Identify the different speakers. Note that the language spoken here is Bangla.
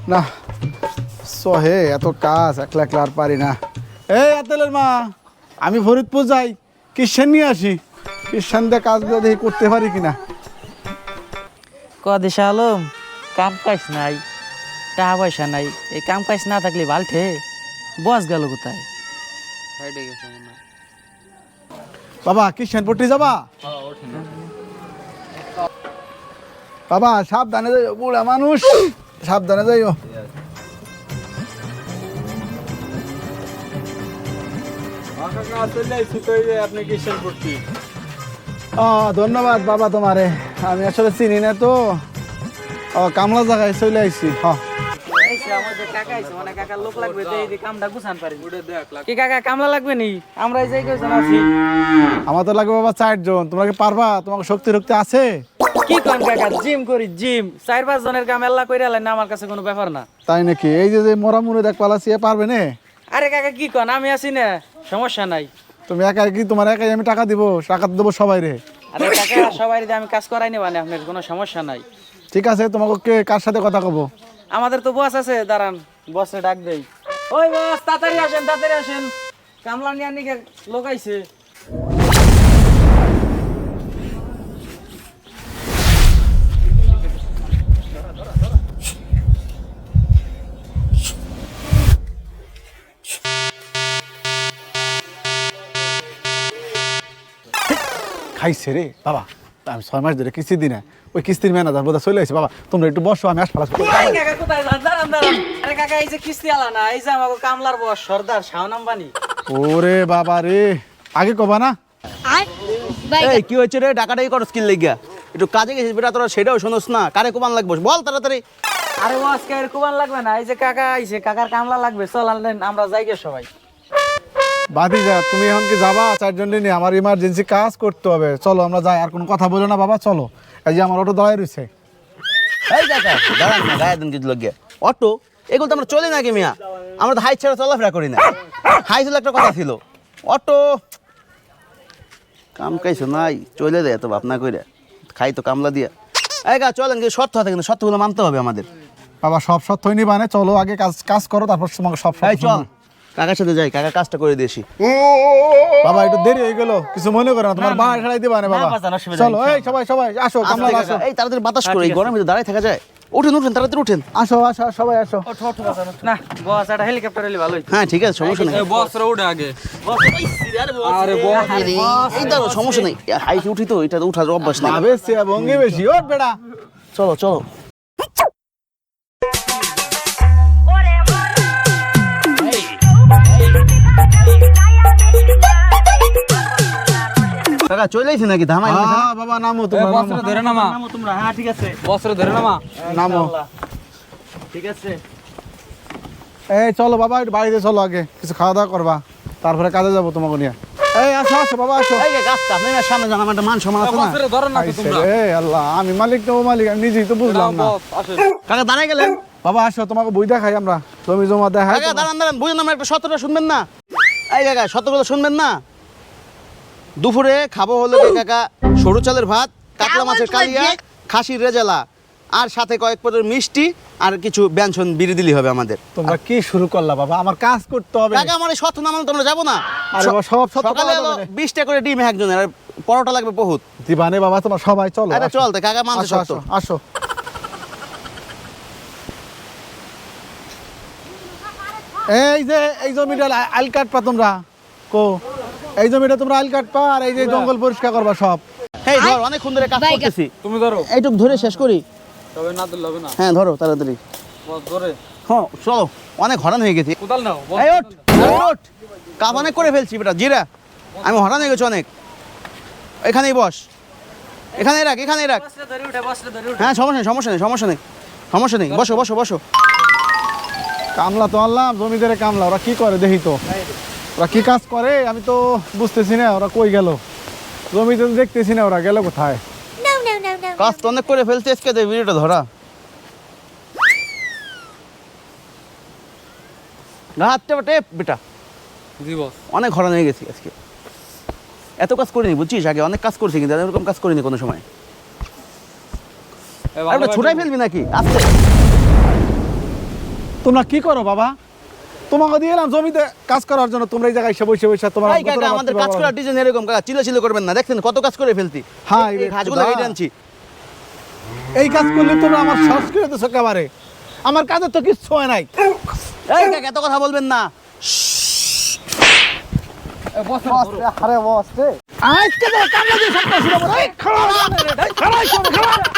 Speaker 1: না সহে এত কাজ একলা একলা আর পারি না। এই আতেলের মা, আমি ফরিদপুর যাই, কিষান নিয়ে আসি। কিষান দিয়ে কাজগুলো দেখি করতে পারি কিনা।
Speaker 2: কদিশা আলম, কাম কাজ নাই, টাকা পয়সা নাই, এই কাম কাজ না থাকলে বালঠে বস গেল কোথায়?
Speaker 1: বাবা কিষানপট্টি যাবা? বাবা সাবধানে যাইও, বুড়া মানুষ, সাবধানে যাইও। ধন্যবাদ বাবা তোমারে, আমি আসলে চিনি না তো, কামলা জায়গায় চলে আইছি।
Speaker 2: কামলা লাগবে নি? আমরা এই জায়গায় আছি।
Speaker 1: আমার তো লাগবে বাবা 4 জন। তোমরা কি পারবা? তোমার শক্তি রক্তি আছে?
Speaker 2: কি কোন কাকা, জিম করি জিম, 4-5 জনের কাম এল্লা কইরা আলেন না, আমার কাছে কোনো ব্যাপার না।
Speaker 1: তাই নাকি? এই যে মরা মুড়ে দেখ পালাছি, এ পারবে না?
Speaker 2: আরে কাকা কি কোন, আমি আছি না, সমস্যা নাই।
Speaker 1: তুমি একাই কি? তোমার একাই আমি টাকা দিব? টাকা দেবো সবাই রে।
Speaker 2: আরে কাকা সবাই দিয়ে আমি কাজ করাই নেব না, আপনার কোনো সমস্যা নাই।
Speaker 1: ঠিক আছে, তোমাকে কার সাথে কথা কব?
Speaker 2: আমাদের তো বস আছে, দাঁড়ান বসে ডাক দেই। ওই বস, তাড়াতাড়ি আসেন, তাড়াতাড়ি আসেন, কামলা নিয়ে নিকে লোক আইছে।
Speaker 1: খাইছে রে বাবা, আমি 6 মাস ধরে কিস্তি দিই না। ওই কিস্তির ম্যানেজার বোধহয় চলে আসছে। বাবা তোমরা একটু বসো, আমি আসপালা।
Speaker 2: এই কাকা কোথায় যান? দাঁড়ান দাঁড়ান। আরে কাকা এই যে কিস্তি আলা না, এই যে আমাকে কামলার বস সর্দার শাওন আম্বানি।
Speaker 1: ওরে বাবা রে, আগে কবা না।
Speaker 3: এই কি হয়েছে রে? ডাকাটাই করস কি লাগিয়া? একটু কাজে গেছিস বেটা, তোরা সেটাও শোনস না। কারে কোবান লাগবো বল তাড়াতাড়ি।
Speaker 2: আরে বস কে কুবান লাগবে না, এই যে কাকা আইছে, কাকার কামলা লাগবে, চল আনলেন আমরা যাই গে সবাই।
Speaker 1: বাদি যা, তুমি এখন কি যাবা? 4 জন নিয়ে আমার ইমার্জেন্সি কাজ করতে হবে। চলো আমরা যাই, আর কোনো কথা বলো না বাবা, চলো। এই যে আমার অটো দাঁড়ায় রয়েছে।
Speaker 3: এই কাকা দাঁড়ান না, গায়ে দিন কিছু লাগিয়া। অটো এগুলো তো আমরা চলি নাকি মিয়া? আমরা তো হাই ছাড়া চলাফেরা করি না। হাই ছিল একটা কথা ছিল, অটো কাম কাইছো নাই, চলে দেয় এত ভাবনা কইরা, খাই তো কামলা দিয়া। এই গা চলেন, কিন্তু শর্ত আছে, কিন্তু শর্তগুলো মানতে হবে আমাদের।
Speaker 1: বাবা সব সত্যই নিবা না, চলো আগে কাজ কাজ করো, তারপর তোমাকে সব
Speaker 3: এই চল কাকার সাথে যাই, কাকা কাজটা করে দিয়েছি।
Speaker 1: বাবা একটু দেরি হয়ে গেল, কিছু মনে করো না, তোমার বাড়ি ছাড়াই দিবা না বাবা।
Speaker 2: বাজান, অসুবিধা
Speaker 1: চলো
Speaker 2: নেই,
Speaker 1: এই সবাই সবাই আসো, কামলা আসো।
Speaker 3: এই তাড়াতাড়ি বাতাস করে, এই গরমে দাঁড়ায় থাকা যায়? উঠেন উঠেন তাড়াতাড়ি উঠেন।
Speaker 1: আসো আসো সবাই আসো।
Speaker 2: ওঠো ওঠো বাজান, না বস একটা হেলিকপ্টার এলে ভালো হইতো।
Speaker 3: হ্যাঁ ঠিক আছে, সমস্যা নেই।
Speaker 4: বস রে উঠে আগে।
Speaker 3: আরে এই দাঁড়ো, সমস্যা নেই। হাইটে উঠি তো, এটা উঠার অভ্যাস নেই।
Speaker 1: আবে সে ভঙ্গি বেশি, ওঠ বেটা।
Speaker 3: চলো চলো। কাকা চলে আইছি নাকি? ধামাই
Speaker 1: হ্যাঁ বাবা নামো, তোমরা
Speaker 4: বস
Speaker 1: নামো।
Speaker 4: রে ধরে নামা,
Speaker 2: নামো তোমরা, হ্যাঁ ঠিক আছে,
Speaker 4: বস রে ধরে নামা।
Speaker 1: নামো।
Speaker 2: ঠিক আছে।
Speaker 1: এই চলো বাবা, একটু বাড়িতে চলো, আগে কিছু খাওয়া দাওয়া করবা, তারপরে কাজে যাবো তোমাকে নিয়ে। এই আসো আসো বাবা আসো।
Speaker 3: এই যে গাছটা আপনি না সামনে যান, আমার একটা মান সম্মান আছে না।
Speaker 4: বস রে ধরে না তো তোমরা।
Speaker 1: এই আল্লাহ, আমি মালিক তো ও মালিক, আমি নিজেই তো বুঝলাম না।
Speaker 4: বস আসেন।
Speaker 3: কাকা দাঁড়াই গেলেন।
Speaker 1: বাবা আসো, তোমাকে বই দেখাই আমরা, জমি জমা দেখাই।
Speaker 3: কাকা দাঁড়ান দাঁড়ান, বুঝুন আমার একটা সত্যটা শুনবেন না? এই কাকা সত্যগুলো শুনবেন না? দুপুরে খাবো হলো কি কাকা, সরু চালের ভাত, কাতলা মাছের কালিয়া, খাসির রেজালা, আর সাথে কয়েক পদের মিষ্টি, আর কিছু ব্যঞ্জন বিড়ি দিলি হবে আমাদের।
Speaker 1: তোমরা কি শুরু করলা বাবা? আমার কাজ করতে হবে।
Speaker 3: কাকা আমার এই সত্য না মানে তোমরা যাবো না?
Speaker 1: আরে বাবা, সব সত্য
Speaker 3: সকালে
Speaker 1: কথা
Speaker 3: হলো
Speaker 1: বলে।
Speaker 3: 20টা করে ডিম একজনের, আর পরোটা লাগবে বহুত।
Speaker 1: দিবানে বাবা, তোমার সবাই চলো।
Speaker 3: আরে
Speaker 1: আসো।
Speaker 3: চল তো, কাকা মানছে
Speaker 1: আসো
Speaker 3: সত্য।
Speaker 1: আসো আসো। এই যে এই জমিটা আইল কাটপা তোমরা, কো এই জমিটা তোমরা আইল কাটপা, আর এই যে জঙ্গল পরিষ্কার করবা সব।
Speaker 3: এই ধর, অনেকক্ষণ ধরে কাজ করতেছি,
Speaker 4: তুমি ধরো,
Speaker 3: এইটুক ধরে শেষ করি।
Speaker 4: তবে না ধরলে হবে না।
Speaker 3: হ্যাঁ ধরো তাড়াতাড়ি।
Speaker 4: বস ধরে।
Speaker 3: হ্যাঁ চলো, অনেক হরান হয়ে গেছি।
Speaker 4: কোদাল নাও বস।
Speaker 3: এই ওঠ, ওঠ, কাজ অনেক করে ফেলছি বেটা, জিরা আমি হরান হয়ে গেছি অনেক। এখানেই বস, এখানেই রাখ, এখানেই রাখ।
Speaker 2: বসরে ধরে উঠে, বসরে ধরে উঠে।
Speaker 3: হ্যাঁ সমস্যা নেই, সমস্যা নেই, সমস্যা নেই, সমস্যা নেই, বসো বসো বসো।
Speaker 1: কামলা তো আনলাম, জমিদারে কামলা, ওরা কি করে দেখি তো, ওরা কি কাজ করে আমি তো বুঝতেছি না। ওরা কই গেল? জমিতে তো দেখতেছি না, ওরা গেল কোথায়?
Speaker 3: কাজ তো অনেক করে ফেলছি, আজকে যে ভিডিওটা ধরা। হাতটা টেপ বেটা,
Speaker 4: জি বস।
Speaker 3: অনেক হরান হয়ে গেছি আজকে। এত কাজ করিনি বুঝছিস, আগে অনেক কাজ করছি, কিন্তু এরকম কাজ করিনি কোনো সময়।
Speaker 4: এই
Speaker 3: আর ছুটাই ফেলবি নাকি? আস্তে
Speaker 1: তোমরা কি করো বাবা? তোমাকে দিয়ে এলাম জমিতে কাজ করার জন্য, তোমরা এই জায়গায় এসে বসে বসে তোমার
Speaker 3: এই কাকা আমাদের কাজ করার ডিজাইন এরকম কাকা, চিল্লাচিল্লি করবেন না, দেখছেন কত কাজ করে ফেলতি।
Speaker 1: হ্যাঁ,
Speaker 3: এই ঘাসগুলো কেটে আনছি।
Speaker 1: এই কাজ করলে তোমরা আমার সাহস করে দিচ্ছ একেবারে। আমার কাজে তো কিচ্ছু হয় নাই।
Speaker 3: এই কাকা এত কথা বলবেন না।
Speaker 1: আজকে তো কামলা দিয়ে সব কাজ শুরু করো। এই খাড়া, খাড়া, খাড়া।